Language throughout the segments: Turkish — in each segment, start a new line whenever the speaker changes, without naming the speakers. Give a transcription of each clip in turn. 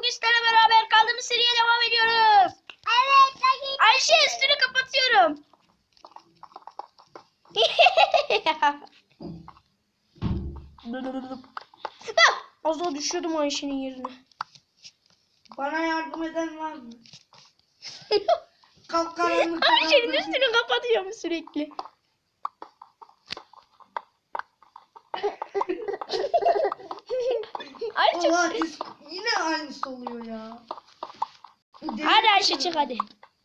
bugün sizlerle beraber kaldığımız seriye devam ediyoruz.
Evet.
Ayşe üstünü kapatıyorum. Az daha düşüyordum Ayşe'nin yerine.
Bana yardım eden var mı? Kapkaranlık.
Ayşe'nin üstünü kapatıyorum sürekli. Ayşe.
Allah yine aynısı oluyor ya.
Hadi Ayşe çık hadi.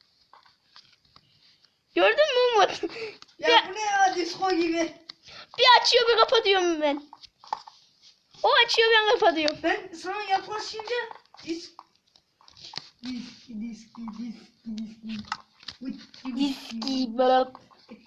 Gördün mü Umut?
Ya bu ne ya, disco gibi.
Bir açıyor bir kapatıyorum ben. O açıyor ben kapatıyorum.
Ben sana yaklaşınca diski.
Diski bırak.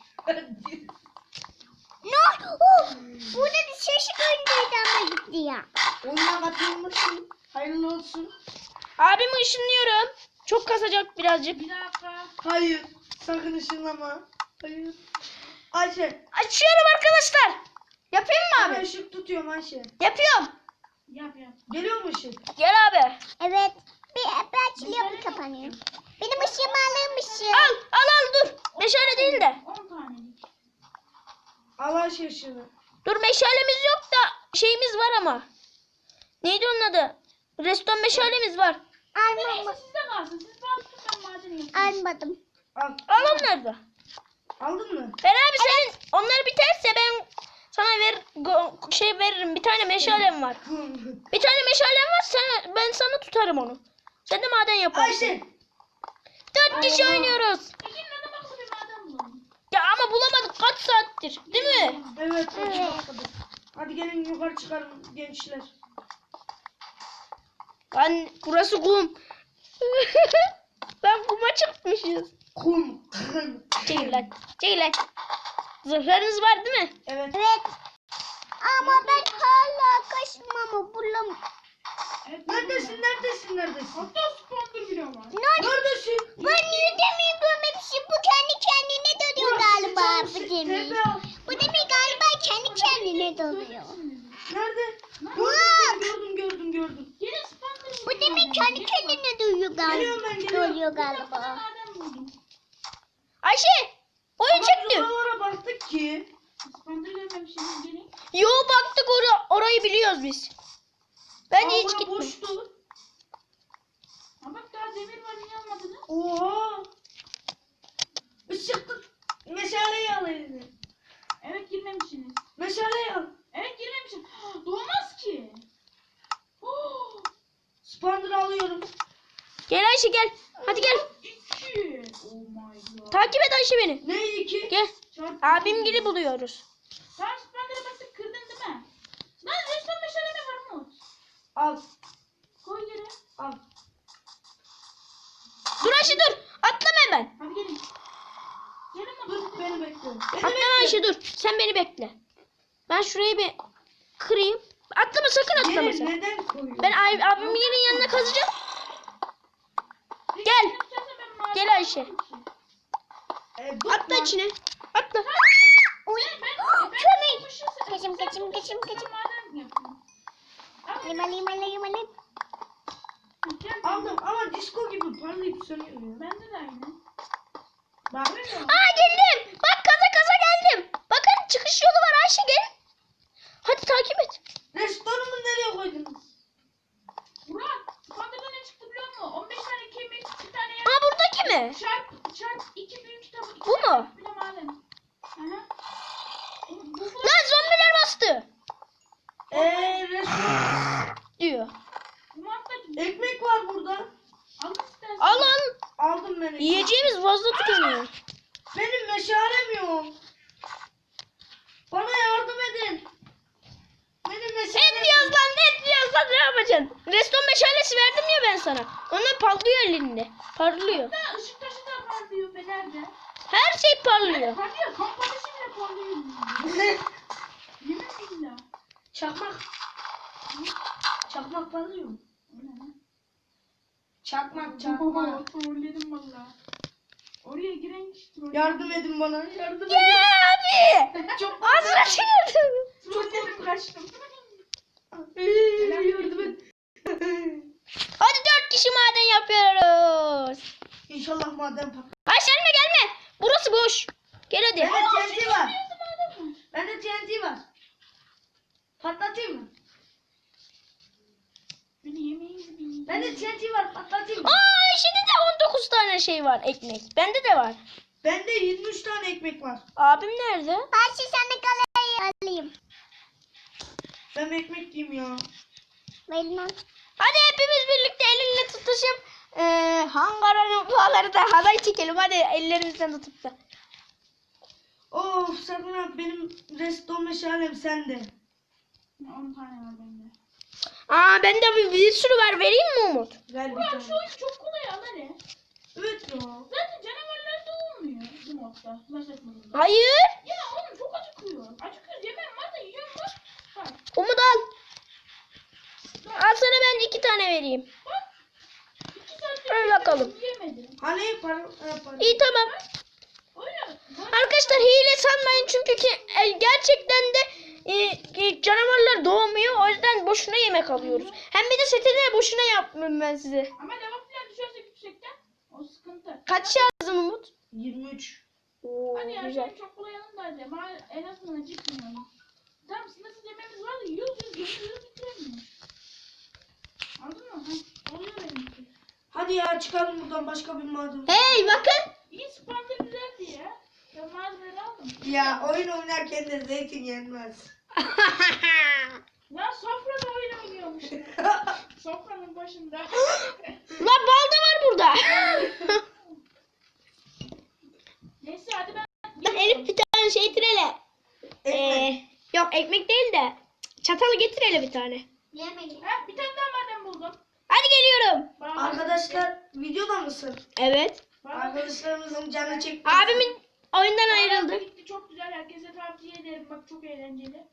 Ne oldu? Burada bir şaşı öndeydi ama gitti ya.
Oyuna katılmışsın. Hayırlı olsun.
Abimi ışınlıyorum. Çok kasacak birazcık.
Bir dakika.
Hayır. Sakın ışınlama. Hayır. Ayşe.
Açıyorum arkadaşlar. Yapayım mı
Ben
abi?
ışık tutuyorum Ayşe.
Yapıyorum.
Yap.
Geliyor mu ışık?
Gel abi.
Evet. Bir açılıyor bir kapanıyor. Benim ışığımı alırmışım.
Al dur. Meşale değil de.
10 tane.
Al Ayşe ışığını.
Dur meşalemiz yok da şeyimiz var ama. Neydi onun adı? Reston meşalemiz var.
Almadım.
Sizde kalsın. Siz bana tutun, ben maden yapayım.
Almadım.
Al.
Al onları da.
Aldın mı?
Ben abi senin onlar biterse ben sana veririm. Bir tane meşalem var. Bir tane meşalem var. Ben sana tutarım onu. Sen de maden yaparsın.
Ayşe.
4 kişi
Allah.
oynuyoruz.
Peki neden baksa bir maden bulalım?
Ya ama bulamadık kaç saattir. Değil mi?
Evet. Hadi gelin yukarı çıkalım gençler.
Lan burası kum. Lan kuma çıkmışız.
Kum.
Çekil lan. Çekil lan. Zırhlarınız var değil mi?
Evet.
Evet. Ama ben hala kaşımamı bulamıyorum.
Evet,
Neredesin?
Hatta spawner bile var.
Neredesin?
Ben yüzümü görmemişim. Bu kendi kendine dönüyor galiba bu gemi.
Tepe al.
Bu gemi galiba kendi kendine dönüyor.
Nerede?
Bak.
Gördüm.
Gelin spawner
Bu gemi kendi kendine dönüyor
Geliyorum ben,
galiba.
geliyorum.
Dönüyor
Ben
galiba.
maden buldum.
Ayşe. Oyun
Ama
çekti.
biz oralara baktık ki.
Spawner görmemişsiniz, gelin.
Yo baktık orayı biliyoruz biz. Ben hiç
Aa,
gitmedim.
boştu.
Ha bak daha demir var, niye almadınız?
Oha. Işık tut. Meşaleyi al eline.
Evet girmemişsiniz.
Meşaleyi al.
Evet girmemişim. Doğmaz ki. Oh,
Spandır alıyorum.
Gel Ayşe gel. Hadi gel.
2. Oh my god.
Takip et Ayşe beni.
Ne iki?
Gel.
Çarpı
Abim
iki.
gibi buluyoruz.
Sen spawner'a baktık, kırdın değil mi? Lan resmen meşale var Umut.
Al.
Koy geri.
Al.
Dur Ayşe dur. Atlama hemen.
Hadi gelin. Gelin Umut.
Dur beni bekle. Beni
Atlama
bekle.
Ayşe dur. Sen beni bekle. Ben şurayı bir kırayım. Atlama sakın atlama
Yeri
sen.
neden koyuyorsun?
Ben abimin yerin yanına kazacağım. Gel. Gel Ayşe.
Dur
Atla
lan.
içine. Atla.
Uy.
Kömür.
Kaçım. Lima.
Aldım ama disco gibi parlayıp sönüyor ya.
Bende de aynı.
Bak.
Aa geldim. Bak kaza geldim. Bakın çıkış yolu var Ayşe gel. Hadi takip et.
Restoranımı nereye koydunuz?
Murat, spawner'da ne çıktı biliyor musun? 15 tane kemik, 2 tane yer.
Aa buradaki mi?
Çarp 2 büyük kitabı. iki
Bu
tane
mu?
Bir de maden. Aha. Bu
Lan zombiler bastı.
Restoran.
Diyor.
Murat'tacığım.
Ekmek var burada.
Al istersen.
Al al.
Aldım ben ekmek.
Yiyeceğimiz fazla tükeniyor.
Benim meşalem yok. Bana yardım edin. Benim meşalem
Et yaz lan et yaz lan ne yapacaksın? Reston meşalesi verdim ya ben sana. Onlar parlıyor elinde. Parlıyor.
Hatta ışık taşı da parlıyor Fener'de.
Her şey parlıyor.
Parlıyor. Kamp ateşi bile parlıyor.
Ne?
Yemin billah.
Çakmak. Çakmak parlıyor mu? Çakmak.
Trolledim valla. Oraya giren kişi troll.
Yardım edin bana. Yardım edin.
Ya abi.
Çok
Ağzına çekildim.
Trolledim, kaçtım.
Yardım et.
Hadi kişi maden yapıyoruz.
İnşallah maden patlar.
Ay gelme. Burası boş. Gel hadi.
Bende TNT var. Bende TNT var. Patlatayım mı?
Beni yemeğinizi bilin.
Bende TNT var. Patlatayım mı?
Aa şimdi de 19 tane şey var ekmek. Bende de var.
Bende 23 tane ekmek var.
Abim nerede?
Ben şu sana kalayı alayım.
Ben ekmek yiyeyim ya.
Verin lan.
Hadi hepimiz birlikte el ele tutuşup hangaranın duaları da halay çekelim. Hadi ellerimizden tutup da.
Of Serkan abi benim redstone meşalem sende.
10 tane var bende.
Aa bende bir sürü var. Vereyim mi Umut?
Ver bir
Burak
tane.
şu oyun çok kolay ama ne?
Evet ya.
Zaten canavarlar da olmuyor bu modda. Flash modunda.
Hayır.
Ya oğlum çok acıkıyor. Acıkıyoruz yemeğim var da yiyorum bak. Bak
Umut al. Al sana ben 2 tane vereyim.
bak. 2 saattir
Ver bakalım.
yiyemedim.
Hani para?
İyi tamam.
Öyle.
Arkadaşlar hile sanmayın çünkü gerçekten de canavarlar doğmuyor. O yüzden boşuna yemek alıyoruz. Hem bir de seti de boşuna yapmıyorum ben size.
Ama lava falan düşersek yüksekten o sıkıntı.
Kaç yazdın Umut?
23.
Oo,
Hadi ya
güzel.
şey çok kolay yanındaydı ama en azından acıkmıyorum. Tamam sınırsız yemeğimiz var da yiyoruz bitiremiyoruz. Anladın mı? Ha, oluyor benimki.
Hadi ya çıkalım buradan başka bir maden.
Hey bakın.
İyi sponsor güzeldi ya. Ben malzemeleri aldım.
Ya oyun oynarken de zeytin yenmez.
Lan sofrada oyun oynuyormuş. Sofranın başında.
Lan bal da var burada.
Neyse hadi ben
Lan Elif bir tane şey getir hele.
Ekmek.
Yok ekmek değil de çatalı getir hele bir tane.
Yemeyin.
Ha, bir tane daha maden buldum.
Hadi geliyorum.
Bağladım.
Arkadaşlar videoda mısın?
Evet.
Bağladım.
Arkadaşlarımızın canı çekti.
Abimin oyundan
Bağlantı
ayrıldı.
gitti, çok güzel. Herkese tavsiye ederim. Bak çok eğlenceli.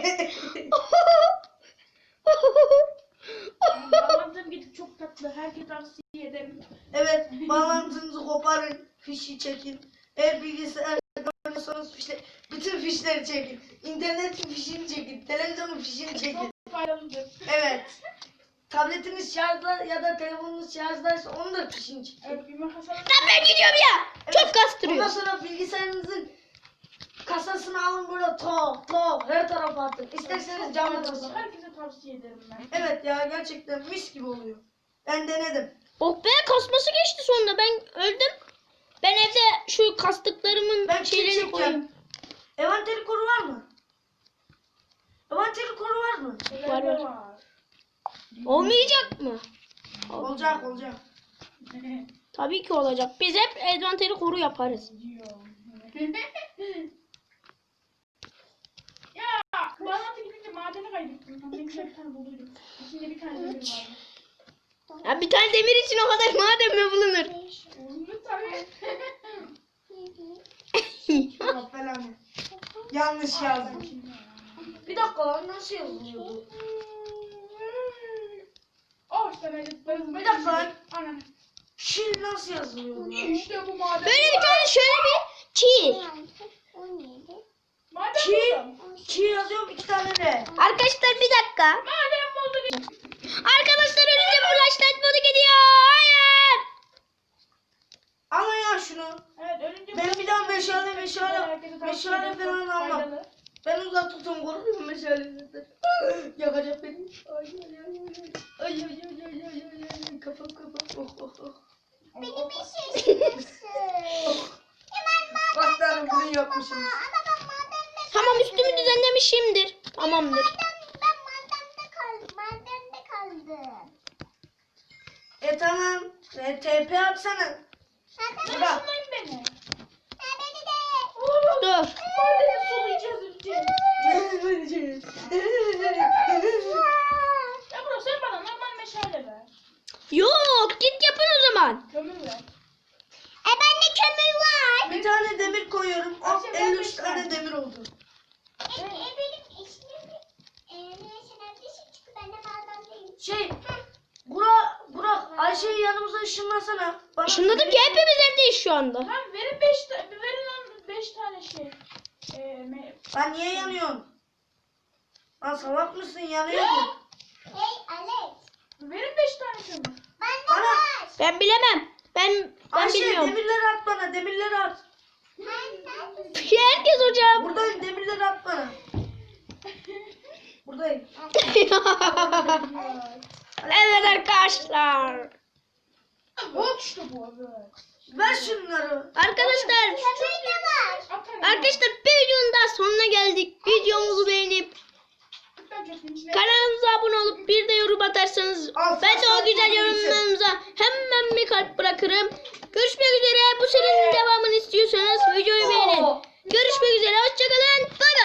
Bağlantım gidip çok tatlı. Herkese tavsiye ederim.
Evet, bağlantınızı koparın, fişi çekin. Eğer bilgisayar oynuyorsanız bütün fişleri çekin. İnternetin fişini çekin, televizyonun fişini çekin.
Çok faydalıdır.
Evet. Tabletiniz şarjda ya da telefonunuz şarjdaysa onun da fişini çekin.
Evet, bir makas alın.
Lan ben gidiyorum ya. Çok
Ondan
kastırıyor.
sonra bilgisayarınızın kasasını alın böyle tok her tarafa atın. İsterseniz
Çok
camla
faydalı.
tasın.
Herkese tavsiye ederim ben.
Evet ya gerçekten mis gibi oluyor. Ben denedim.
Oh be kasması geçti sonunda. Ben öldüm. Ben evde şu kastıklarımın
Ben
şeylerini
çekeceğim.
koyayım.
Envanteri koru var mı? Envanteri koru var mı?
Var,
Neler
var. Olmayacak mı?
Olacak.
Tabii ki olacak. Biz hep envanteri koru yaparız.
Ya bağlantı gidince madeni kaybettim. Ben güzel bir tane bulduydum. İçinde bir tane demir vardı.
Ya bir tane demir için o kadar maden mi bulunur?
Oldu tabii.
Allah belanı. Yanlış yazdım. Bir dakika lan nasıl yazılıyordu?
Oh işte ben
Bir dakika lan.
Anam.
Şil nasıl yazılıyordu?
İşte bu maden.
Böyle bir tane şöyle bir çiğ.
17.
Maden
Ki,
buldum.
ki yazıyorum 2 tane de.
Arkadaşlar bir dakika.
Maden bulduk.
Arkadaşlar önce flashlight modu gidiyor. Hayır.
Ama ya şunu.
Evet ölünce
Ben bir daha meşale
Herkese tavsiye
falan
ederim.
almam.
Faydalı.
Ben uzak tutun korkuyorum meşalesinden. Yakacak beni. Ay. Kafam. Oh.
Benim işim nasıl? Hemen
Bak tanrım bunu yapmışsınız.
Ama ben madende
Tamam üstümü düzenlemişimdir. Tamamdır.
ben madende kaldım.
Tamam. TP atsana.
Madem
Bırak.
Şunlayın beni.
beni de.
Dur.
Madeni sulayacağız önce. Ya bro sen bana normal meşale ver.
Yok git yapın o zaman.
Kömür ver.
Bende kömür var.
Bir tane demir koyuyorum.
Ay,
Of
sen
53
ben
tane
ben.
demir oldu.
Benim işim neyse neredesin çünkü ben de madendeyim.
Burak Ayşe'yi yanımıza ışınlasana. Bana
Işınladım ki hepimiz evdeyiz şu anda.
Lan verin 5 tane şey.
Lan niye yanıyorsun? Lan salak mısın yanıyordun.
Hey Alex.
Verin 5 tane kömür.
Ben
Ben bilemem. Ben
Ayşe
bilmiyorum.
demirleri at bana, demirleri at.
Herkes hocam.
Buradayım, demirleri at bana. Buradayım.
Evet arkadaşlar.
Bak işte bu abi.
Ver şunları.
Arkadaşlar
Atarım.
arkadaşlar bir videonun daha sonuna geldik. Videomuzu beğenip kanalımıza abone olup bir de yorum atarsanız ben de o güzel yorumlarınıza hemen bir kalp bırakırım. Görüşmek üzere. Bu serinin devamını istiyorsanız videoyu beğenin. Görüşmek üzere. Hoşçakalın. Bay bay.